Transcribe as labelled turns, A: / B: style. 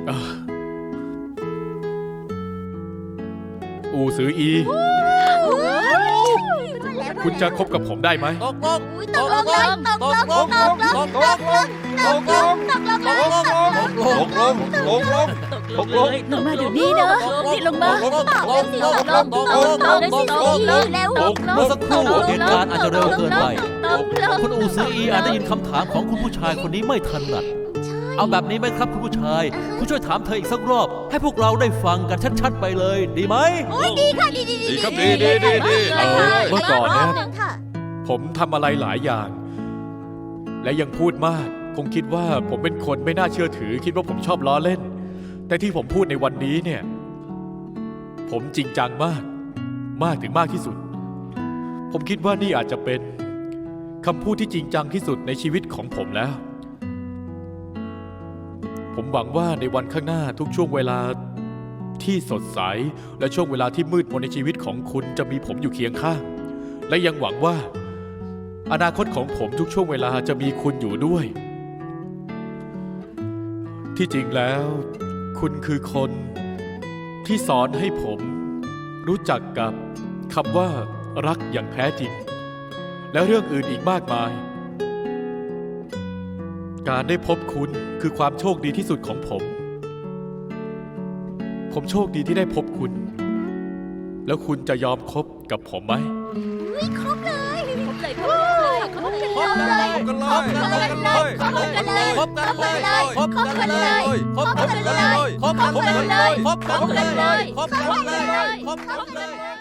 A: อูซืออี คุณจะคบกับผมได้ไหม
B: ตกลง
C: ตกลงเลยตกลงตกลงตกลงตกลงตกลงเลยตกลง
B: ตกลงตกลงตกลง
D: ลงมาเดี๋ยวนี้นะนี่ลงมา
B: ตกลงตกลงตกลงตกลงตกลง
C: แล้ว
E: เมื่อสักครู่เหตุการณ์อาจจะเร็วเกินไป คุณอูซืออีอาจได้ยินคำถามของคุณผู้ชายคนนี้ไม่ถนัด เอาแบบนี้ไหมครับคุณผู้ชาย คุณช่วยถามเธออีกสักรอบ ให้พวกเราได้ฟังกันชัดๆไปเลย ดีไหม
C: ดีค่ะดี
B: ดีครับดีดีดีดี
A: เมื่อก่อนเนี่ย
C: ค่ะ
A: ผมทำอะไรหลายอย่าง และยังพูดมาก คงคิดว่าผมเป็นคนไม่น่าเชื่อถือ คิดว่าผมชอบล้อเล่น แต่ที่ผมพูดในวันนี้เนี่ย ผมจริงจังมาก มากถึงมากที่สุด ผมคิดว่านี่อาจจะเป็นคำพูดที่จริงจังที่สุดในชีวิตของผมแล้ว ผมหวังว่าในวันข้างหน้าทุกช่วงเวลาที่สดใสและช่วงเวลาที่มืดมนในชีวิตของคุณจะมีผมอยู่เคียงข้าง และยังหวังว่าอนาคตของผมทุกช่วงเวลาจะมีคุณอยู่ด้วย ที่จริงแล้ว คุณคือคนที่สอนให้ผมรู้จักกับคำว่ารักอย่างแท้จริง และเรื่องอื่นอีกมากมาย การได้พบคุณคือความโชคดีที่สุดของผม ผมโชคดีที่ได้พบคุณ แล้วคุณจะยอมคบกับผมไหม
C: ครบเลย
D: ครบเลยครบเลยครบเลย
B: คบกันเลยคบกันเลยคบกันเลยคบกันเลยคบกันเลยคบกันเลยคบกันเลยคบกันเลยคบกันเลยคบกันเลย